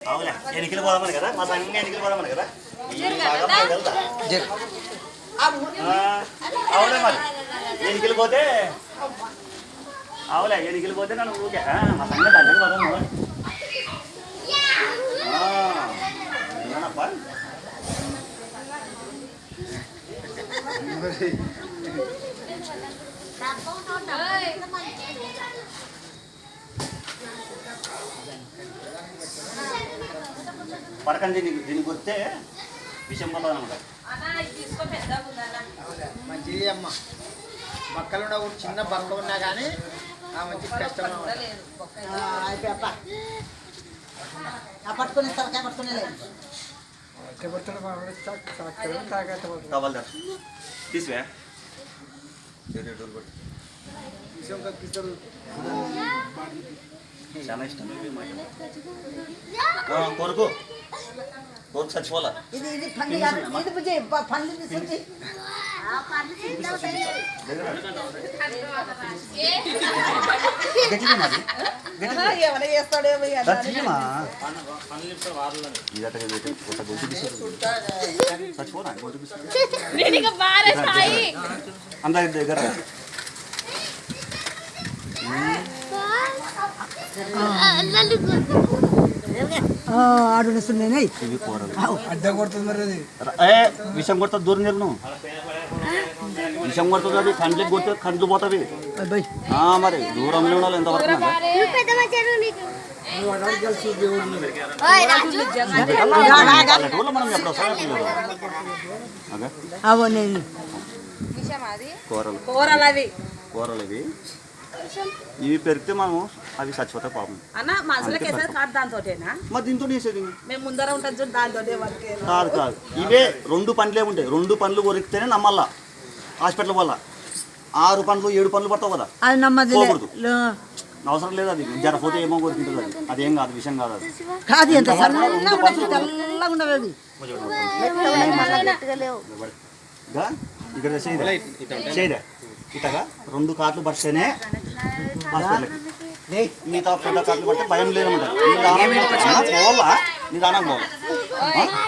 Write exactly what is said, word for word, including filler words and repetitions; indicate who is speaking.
Speaker 1: అవులే ఎన్నికలు పోదామని కదా మా సంఘం ఎన్నికలు పోదామని కదా అవులే మరి ఎన్నికలు పోతే అవులే ఎన్నికలు పోతే నన్ను ఊరికే మా సంఘం దగ్గరికి పోదాము విన్నానప్ప పడకండి దీనికి దీనికి వస్తే విషయం పోతుంది అనమాట
Speaker 2: మంచిది అమ్మ బక్కలు ఉన్న చిన్న బక్క ఉన్నా కానీ ఆ మంచి కష్టం పట్టుకుని తలకాయ పట్టుకునే
Speaker 1: తీసివే చాలా ఇష్టం కొరకు కొరకు చచ్చిపోవాలా
Speaker 2: ఇది ఇది పండుగ ఇది బుజ్జి పండు తీసుకొచ్చి
Speaker 1: అందరి దగ్గర విషం కొడుతుంది దూరం నేను విషం కొడుతుంది అది కండ్లకి కొడితే కండ్లు పోతావి మరి దూరంలో ఉండాలి ఎంతవరకు మనం ఎప్పుడు కూరలు కూరలు అవి కూరలు అవి ఇవి పెరిగితే మనము అవి చచ్చిపోతాయి పాపం మరి దీంతో వేసేది కాదు కాదు ఇవే రెండు పండ్లే ఉంటాయి రెండు పండ్లు కొరికితేనే నమ్మల్లా హాస్పిటల్ వల్ల ఆరు పండ్లు ఏడు పండ్లు పడతావు కదా పోకూడదు అవసరం లేదు అది జరపోతే ఏమో కొరికింటుంది అది అదేం కాదు విషయం కాదు అది ఇక్కడ చేయదా ఇటగా రెండు కార్లు పడితేనే హాస్పిటల్కి మిగతా పెద్ద కార్లు పడితే భయం లేదన్నమాట నీ దానం పోవాలా నీ దానం పోవాలి